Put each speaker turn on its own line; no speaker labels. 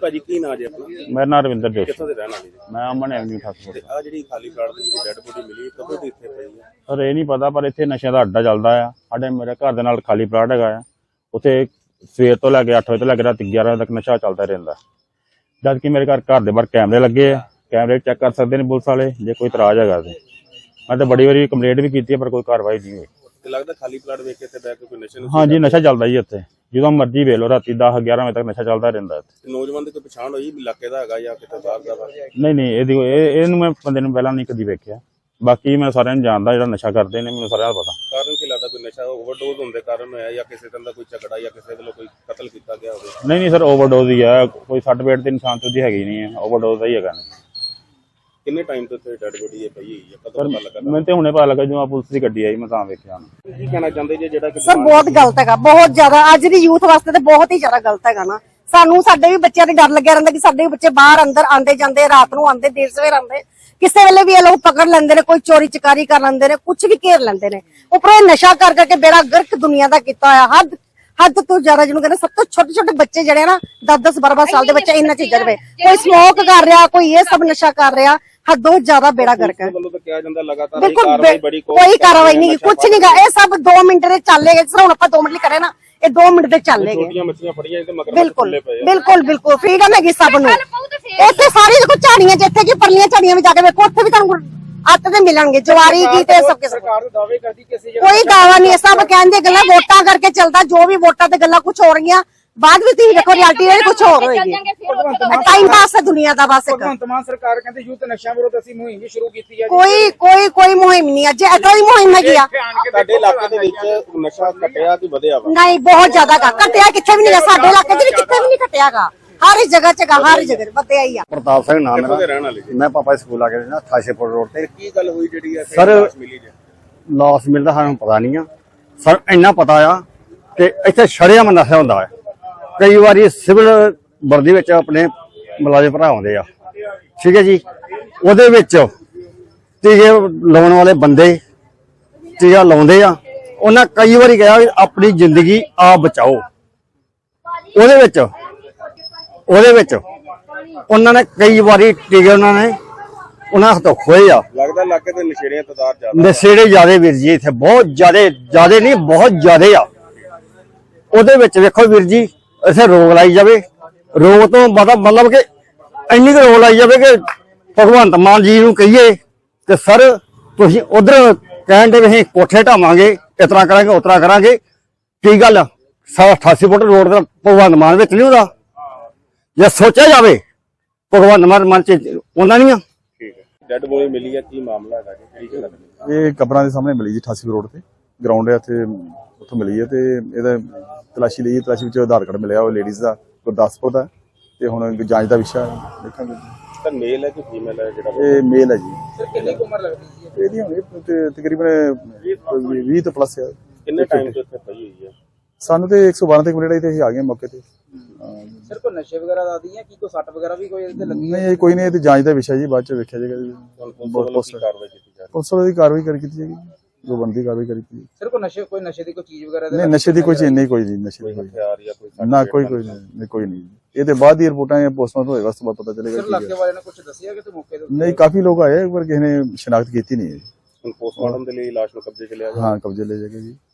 ਭਾਜੀ ਕੀ ਨਾਂ ਜੀ ਆਪਣਾ?
ਮੇਰਾ ਨਾਮ ਰਵਿੰਦਰ ਜੋਸ਼ੀ।
ਕਿੱਥੋਂ ਦੇ ਰਹਿਣ ਵਾਲੇ ਜੀ?
ਮੈਂ ਅਮਨ ਐਵਨਿਊ ਠਾਕੁਰ।
ਆ ਜਿਹੜੀ ਖਾਲੀ ਪਲਾਟ ਦੇ ਵਿੱਚ ਡੈਡ ਬੋਡੀ ਮਿਲੀ ਕਦੋਂ ਦੀ ਇੱਥੇ ਪਈ ਹੈ?
ਸਰ ਇਹ ਨਹੀਂ ਪਤਾ, ਪਰ ਇੱਥੇ ਨਸ਼ਿਆਂ ਦਾ ਅੱਡਾ ਚੱਲਦਾ ਆ। ਸਾਡੇ ਮੇਰੇ ਘਰ ਦੇ ਨਾਲ ਖਾਲੀ ਪਲਾਟ ਹੈਗਾ ਆ, ਉੱਥੇ ਸਵੇਰ ਤੋਂ ਲੈ ਕੇ 8 ਵਜੇ ਤੋਂ ਲੈ ਕੇ ਰਾਤ 11 ਵਜੇ ਤੱਕ ਨਸ਼ਾ ਚੱਲਦਾ ਰਹਿੰਦਾ। ਜਦ ਕਿ ਮੇਰੇ ਘਰ ਦੇ ਬਾਹਰ ਕੈਮਰੇ ਲੱਗੇ ਆ, ਕੈਮਰੇ ਚੈੱਕ ਕਰ ਸਕਦੇ ਨੇ ਪੁਲਿਸ ਵਾਲੇ ਜੇ ਕੋਈ ਇਤਰਾਜ਼ ਹੈਗਾ ਤੇ। ਮੈਂ ਤਾਂ ਬੜੀ ਵਾਰੀ ਕੰਪਲੇਂਟ ਵੀ ਕੀਤੀ ਹੈ ਪਰ ਕੋਈ ਕਾਰਵਾਈ ਨਹੀਂ ਹੋਈ।
ਤੇ ਲੱਗਦਾ ਖਾਲੀ ਪਲਾਟ ਵੇਖ ਕੇ ਇੱਥੇ ਬੈਠ ਕੇ ਕੋਈ ਨਸ਼ੇ ਨੂੰ?
ਹਾਂਜੀ, ਨਸ਼ਾ ਚੱਲਦਾ ਜੀ ਇੱਥੇ, ਜਦੋਂ ਮਰਜ਼ੀ ਵੇਖ ਲਓ, ਰਾਤੀ 10-11 ਵਜੇ ਤੱਕ ਨਸ਼ਾ ਚੱਲਦਾ ਰਹਿੰਦਾ ਇੱਥੇ।
ਨੌਜਵਾਨ ਦੀ ਕੋਈ ਪਛਾਣ ਹੋਈ ਇਲਾਕੇ ਦਾ ਹੈਗਾ ਜਾਂ ਕਿਤੇ ਬਾਹਰ ਦਾ?
ਨਹੀਂ ਇਹਨੂੰ ਮੈਂ ਬੰਦੇ ਨੂੰ ਪਹਿਲਾਂ ਨਹੀਂ ਕਦੀ ਵੇਖਿਆ। ਬਾਕੀ ਮੈਂ ਸਾਰਿਆਂ ਨੂੰ ਜਾਣਦਾ ਜਿਹੜਾ ਨਸ਼ਾ ਕਰਦੇ ਨੇ, ਮੈਨੂੰ ਸਾਰਿਆਂ ਦਾ ਪਤਾ।
ਕਾਰਨ ਕੀ ਲੱਗਦਾ, ਕੋਈ ਨਸ਼ਾ ਓਵਰਡੋਜ਼ ਹੋਣ ਦੇ ਕਾਰਨ ਹੋਇਆ ਜਾਂ ਕਿਸੇ ਤਰ੍ਹਾਂ ਦਾ ਕੋਈ ਝਗੜਾ ਜਾਂ ਕਿਸੇ ਵੱਲੋਂ ਕੋਈ ਕਤਲ ਕੀਤਾ ਗਿਆ ਹੋਵੇ?
ਨਹੀਂ ਸਰ, ਓਵਰਡੋਜ਼ ਹੀ ਆ। ਕੋਈ ਸੱਟ ਪੇਟ ਤੇ ਇਨਸਾਨ ਤੋਂ ਦੀ ਹੈਗੀ ਨਹੀਂ ਹੈ, ਓਵਰਡੋਜ਼ ਦਾ ਹੀ ਹੈਗਾ।
ਕਿੰਨੇ ਟਾਈਮ ਤੋਂ ਇੱਥੇ ਡੈਡ ਬੋਡੀ ਪਈ ਹੋਈ ਹੈ, ਕਦੋਂ ਪਤਾ ਲੱਗਾ?
ਮੈਨੂੰ ਤੇ ਹੁਣੇ ਪਤਾ ਲੱਗਾ ਜਦੋਂ ਪੁਲਿਸ ਦੀ ਗੱਡੀ ਆਈ, ਮੈਂ ਤਾਂ ਵੇਖਿਆ।
ਕੀ ਕਹਿਣਾ ਚਾਹੁੰਦੇ ਜੀ ਜਿਹੜਾ
ਸਰ ਬਹੁਤ ਗਲਤ ਹੈਗਾ, ਬਹੁਤ ਜ਼ਿਆਦਾ। ਅੱਜ ਦੀ ਯੂਥ ਵਾਸਤੇ ਤੇ ਬਹੁਤ ਹੀ ਜ਼ਿਆਦਾ ਗਲਤ ਹੈਗਾ ਨਾ। ਸਾਨੂੰ ਸਾਡੇ ਵੀ ਬੱਚਿਆਂ ਦੇ ਡਰ ਲੱਗਿਆ ਰਹਿੰਦਾ ਕਿ ਸਾਡੇ ਵੀ ਬੱਚੇ ਬਾਹਰ ਅੰਦਰ ਆਂਦੇ ਜਾਂਦੇ, ਰਾਤ ਨੂੰ ਆਂਦੇ, ਦੇਰ ਸਵੇਰ ਆਂਦੇ, ਕਿਸੇ ਵੇਲੇ ਵੀ ਇਹ ਲੋਕ ਪਕੜ ਲੈਂਦੇ ਨੇ, ਕੋਈ ਚੋਰੀ ਚਕਾਰੀ ਕਰ ਲੈਂਦੇ ਨੇ, ਕੁਝ ਵੀ ਘੇਰ ਲੈਂਦੇ ਨੇ। ਉੱਪਰੋਂ ਇਹ ਨਸ਼ਾ ਕਰ ਕਰਕੇ ਬੇੜਾ ਗਰਕ ਦੁਨੀਆ ਦਾ ਕੀਤਾ ਹੋਇਆ। ਹੱਦ ਤੋਂ ਜ਼ਿਆਦਾ ਜਿਹਨੂੰ ਕਹਿੰਦੇ, ਸਭ ਤੋਂ ਛੋਟੇ ਛੋਟੇ ਬੱਚੇ ਜਿਹੜੇ ਨਾ 10-10 12 ਸਾਲ ਦੇ ਬੱਚੇ ਇਹਨਾਂ ਚੀਜ਼ਾਂ ਦੇ ਕੋਈ ਸਮੋਕ ਕਰ ਰਿਹਾ, ਕੋਈ ਇਹ ਸਭ ਨਸ਼ਾ ਕਰ ਰਿਹਾ। ਹੱਦੋਂ ਜ਼ਿਆਦਾ ਬੇੜਾ ਗਰਕ ਹੈ।
ਵੱਲੋਂ ਤਾਂ ਕਿਹਾ ਜਾਂਦਾ ਲਗਾਤਾਰ
ਬਿਲਕੁਲ ਕੋਈ ਕਾਰਵਾਈ ਨਹੀਂ, ਕੁਝ ਨਹੀਂ ਗਾ। ਇਹ ਸਭ 2 ਮਿੰਟ ਦੇ ਚੱਲੇ ਗਏ। ਹੁਣ ਆਪਾਂ 2 ਮਿੰਟ ਲਈ ਕਰੇ ਨਾ, ਇਹ 2 ਮਿੰਟ ਦੇ ਚੱਲੇ ਗਏ।
ਛੋਟੀਆਂ ਮੱਛੀਆਂ ਫੜੀਆਂ ਤੇ ਮਗਰ
ਬਿਲਕੁਲ ਫਰੀडम ਹੈਗੀ ਸਭ ਨੂੰ। ਇੱਥੇ ਸਾਰੀ ਦੇਖੋ ਝਾੜੀਆਂ ਜਿੱਥੇ ਕਿ ਪਰਲੀਆਂ ਝਾੜੀਆਂ ਵਿੱਚ ਜਾ ਕੇ ਵੇਖੋ, ਉੱਥੇ ਵੀ ਤੁਹਾਨੂੰ ਅੱਤ ਦੇ ਮਿਲਣਗੇ, ਜਵਾਰੀ ਕੀ ਤੇ ਸਭ।
ਸਰਕਾਰ ਦੇ ਦਾਅਵੇ ਕਰਦੀ ਕਿ ਅਸੀਂ
ਕੋਈ ਦਾਅਵਾ ਨਹੀਂ, ਸਭ ਕਹਿੰਦੇ ਗੱਲਾਂ ਵੋਟਾਂ ਕਰਕੇ ਚੱਲਦਾ। ਜੋ ਵੀ ਵੋਟਾਂ ਤੇ ਗੱਲਾਂ ਕੁਝ ਹੋ ਰਹੀਆਂ, ਬਾਅਦ ਵਿੱਚ ਤੁਸੀਂ ਦੇਖੋ ਰਿਐਲਿਟੀ ਇਹ ਕੁਝ ਹੋਰ ਹੋਏਗੀ। ਟਾਈਮ ਪਾਸ ਹੈ ਦੁਨੀਆ ਦਾ ਬਸ।
ਭਗਵੰਤ ਮਾਨ ਸਰਕਾਰ ਕਹਿੰਦੇ ਯੂਥ ਨਸ਼ਿਆਂ ਵਿਰੁੱਧ ਅਸੀਂ ਮੁਹਿੰਮ ਵੀ ਸ਼ੁਰੂ ਕੀਤੀ ਹੈ।
ਕੋਈ ਮੁਹਿੰਮ ਨਹੀਂ। ਅੱਜ ਇਦਾਂ ਦੀ ਮੁਹਿੰਮ ਹੈਗੀ ਆ।
ਸਾਡੇ ਇਲਾਕੇ ਦੇ ਵਿੱਚ ਨਸ਼ਾ ਘਟਿਆ ਕਿ ਵਧਿਆ ਵਾ?
ਨਹੀਂ, ਬਹੁਤ ਜ਼ਿਆਦਾ ਘਟਿਆ ਕਿੱਥੇ ਵੀ ਨਹੀਂ। ਸਾਡੇ ਇਲਾਕੇ 'ਚ ਵੀ ਕਿੱਥੇ ਵੀ ਨਹੀਂ ਘਟਿਆਗਾ। ਹਰ ਇੱਕ ਜਗ੍ਹਾ 'ਚ ਹਰ ਜਗ੍ਹਾ ਵਧਿਆ ਹੀ ਆ।
ਪ੍ਰਤਾਪ ਸਿੰਘ ਨਾਮ
ਕਿੱਥੋਂ ਦੇ
ਮੇਰਾ।
ਰਹਿਣ ਵਾਲੇ ਜੀ?
ਮੈਂ ਪਾਪਾ ਸਕੂਲ ਆ ਕੇ ਨਾ 88 ਰੋਡ ਤੇ।
ਕੀ ਗੱਲ ਹੋਈ ਜਿਹੜੀ ਇੱਥੇ
ਸਰ,
ਲਾਸ਼ ਮਿਲੀ ਜੀ?
ਲਾਸ਼ ਮਿਲਦਾ ਸਾਨੂੰ ਪਤਾ ਨਹੀਂ ਆ ਸਰ। ਇੰਨਾ ਪਤਾ ਆ ਕਿ ਇੱਥੇ ਸ਼ਰੇਆਮ ਨਸ਼ਾ ਹੁੰਦਾ ਹੈ। ਕਈ ਵਾਰੀ ਸਿਵਲ ਵਰਦੀ ਵਿੱਚ ਆਪਣੇ ਮੁਲਾਜ਼ਮ ਭਰਾ ਆਉਂਦੇ ਆ, ਠੀਕ ਹੈ ਜੀ, ਉਹਦੇ ਵਿੱਚ ਟੀਕੇ ਲਾਉਣ ਵਾਲੇ ਬੰਦੇ ਟੀਕਾ ਲਾਉਂਦੇ ਆ। ਉਹਨਾਂ ਕਈ ਵਾਰੀ ਕਿਹਾ ਵੀ ਆਪਣੀ ਜ਼ਿੰਦਗੀ ਆਪ ਬਚਾਓ। ਉਹਦੇ ਵਿੱਚ ਉਹਨਾਂ ਨੇ ਕਈ ਵਾਰੀ ਟੀਕੇ ਉਹਨਾਂ ਹੱਥੋਂ ਖੋਏ ਆ।
ਲੱਗਦਾ ਇਲਾਕੇ ਦੇ ਨਸ਼ੇੜੀਆਂ ਤਾਦਾਦ ਜ਼ਿਆਦਾ?
ਨਸ਼ੇੜੇ ਜ਼ਿਆਦੇ ਵੀਰ ਜੀ, ਇੱਥੇ ਬਹੁਤ ਜ਼ਿਆਦੇ ਨਹੀਂ, ਬਹੁਤ ਜ਼ਿਆਦੇ ਆ। ਉਹਦੇ ਵਿੱਚ ਵੇਖੋ ਵੀਰ ਜੀ, ਇੱਥੇ ਰੋਕ ਲਾਈ ਜਾਵੇ। ਰੋਕ ਤੋਂ ਮਤਲਬ ਕਿ ਇੰਨੀ ਕੁ ਰੋਕ ਲਾਈ ਜਾਵੇ ਕਿ ਭਗਵੰਤ ਮਾਨ ਜੀ ਨੂੰ ਕਹੀਏ ਕਿ ਸਰ ਤੁਸੀਂ ਉਧਰ ਕਹਿਣ ਦੇ ਅਸੀਂ ਕੋਠੇ ਢਾਵਾਂਗੇ, ਇਸ ਤਰ੍ਹਾਂ ਕਰਾਂਗੇ, ਉਸ ਤਰ੍ਹਾਂ ਕਰਾਂਗੇ। ਕੀ ਗੱਲ 88 ਫੁੱਟ ਰੋਡ ਦਾ ਭਗਵੰਤ ਮਾਨ ਵਿੱਚ ਨਹੀਂ ਹੁੰਦਾ? ਜੇ ਸੋਚਿਆ ਜਾਵੇ ਭਗਵੰਤ ਮਾਨ ਮਨ ਚ ਆਉਂਦਾ ਨਹੀਂ ਆ।
ਠੀਕ ਹੈ, ਡੈਡ ਬੋਡੀ ਮਿਲੀ ਹੈ, ਕੀ ਮਾਮਲਾ ਹੈਗਾ ਜੀ? ਕਿਹੜੀ ਜਗ੍ਹਾ ਤੇ?
ਇਹ ਕਬਰਾਂ ਦੇ ਸਾਹਮਣੇ ਮਿਲੀ ਜੀ, 88 ਰੋਡ ਤੇ ਗਰਾਊਂਡ ਹੈ ਇੱਥੇ, ਉੱਥੋਂ ਮਿਲੀ ਹੈ। ਤੇ ਇਹਦਾ ਤਲਾਸ਼ੀ ਲਈ, ਤਲਾਸ਼ੀ ਵਿੱਚ ਆਧਾਰ ਕਾਰਡ ਮਿਲਿਆ, ਉਹ ਲੇਡੀਜ਼ ਦਾ ਗੁਰਦਾਸਪੁਰ ਦਾ। ਤੇ ਹੁਣ ਜਾਂਚ ਦਾ ਵਿਸ਼ਾ ਦੇਖਾਂਗੇ।
ਸਰ ਮੇਲ ਹੈ ਕਿ ਫੀਮੇਲ ਹੈ ਜਿਹੜਾ?
ਇਹ ਮੇਲ ਹੈ ਜੀ।
ਸਰ ਕਿੰਨੀ ਉਮਰ ਲੱਗਦੀ ਹੈ
ਇਹਦੀ ਹੋਣੀ ਤਕਰੀਬਨ 20 ਤੋਂ ਪਲੱਸ ਹੈ।
ਕਿੰਨੇ ਟਾਈਮ ਤੋਂ ਇੱਥੇ ਪਈ ਹੋਈ ਹੈ?
ਸਾਨੂੰ ਤੇ 112 ਤੇ ਕੰਪਲੀਟ ਆਈ ਤੇ ਅਸੀਂ ਆ ਗਏ ਮੌਕੇ ਤੇ।
ਸਰ ਕੋਈ ਨਸ਼ੇ ਵਗੈਰਾ ਦਾ ਆਦੀ ਹੈ ਕੀ ਕੋਈ ਸੱਟ ਵਗੈਰਾ ਵੀ ਕੋਈ ਇਹਦੇ ਲੱਗੀ?
ਨਹੀਂ, ਇਹ ਕੋਈ ਨਹੀਂ, ਇਹ ਤੇ ਜਾਂਚ ਦਾ ਵਿਸ਼ਾ ਜੀ, ਬਾਅਦ ਚ ਵੇਖਿਆ ਜਾਏਗਾ ਜੀ।
ਕਾਰਵਾਈ ਕੀਤੀ ਜਾ ਰਹੀ?
ਪੁਲਿਸ ਵਾਲੇ ਦੀ ਕਾਰਵਾਈ ਕੀਤੀ ਜਾਏਗੀ, ਜੋ ਬਣਦੀ ਕਾਰਵਾਈ ਕੀਤੀ।
ਸਰ ਕੋਈ ਨਸ਼ੇ ਦੀ ਕੋਈ ਚੀਜ਼ ਵਗੈਰਾ?
ਨਹੀਂ, ਨਸ਼ੇ ਦੀ ਕੋਈ ਚੀਜ਼ ਨਹੀਂ, ਕੋਈ ਜੀ ਨਸ਼ੇ ਦੀ ਕੋਈ
ਹਥਿਆਰ ਜਾਂ ਕੋਈ
ਨਾ, ਕੋਈ ਨਹੀਂ। ਇਹਦੇ ਬਾਅਦ ਹੀ ਰਿਪੋਰਟਾਂ ਜਾਂ ਪੋਸਟਮਾਰਟਮ ਹੋਏਗਾ, ਉਸ ਤੋਂ ਬਾਅਦ ਪਤਾ ਚੱਲੇਗਾ।
ਸਰ ਇਲਾਕੇ ਵਾਲਿਆਂ ਨੇ ਕੁਝ ਦੱਸਿਆ ਕਿ ਤੇ ਮੌਕੇ ਤੇ?
ਨਹੀਂ, ਕਾਫੀ ਲੋਕ ਆਏ ਪਰ ਕਿਸੇ ਨੇ ਸ਼ਨਾਖਤ ਕੀਤੀ ਨਹੀਂ ਹੈ।
ਪੋਸਟਮਾਰਟਮ ਦੇ ਲਈ ਲਾਸ਼ ਨੂੰ ਕਬਜ਼ੇ 'ਚ ਲਿਆ ਜਾ?
ਹਾਂ, ਕਬਜ਼ੇ ਲੈ ਜਾਏਗਾ ਜੀ।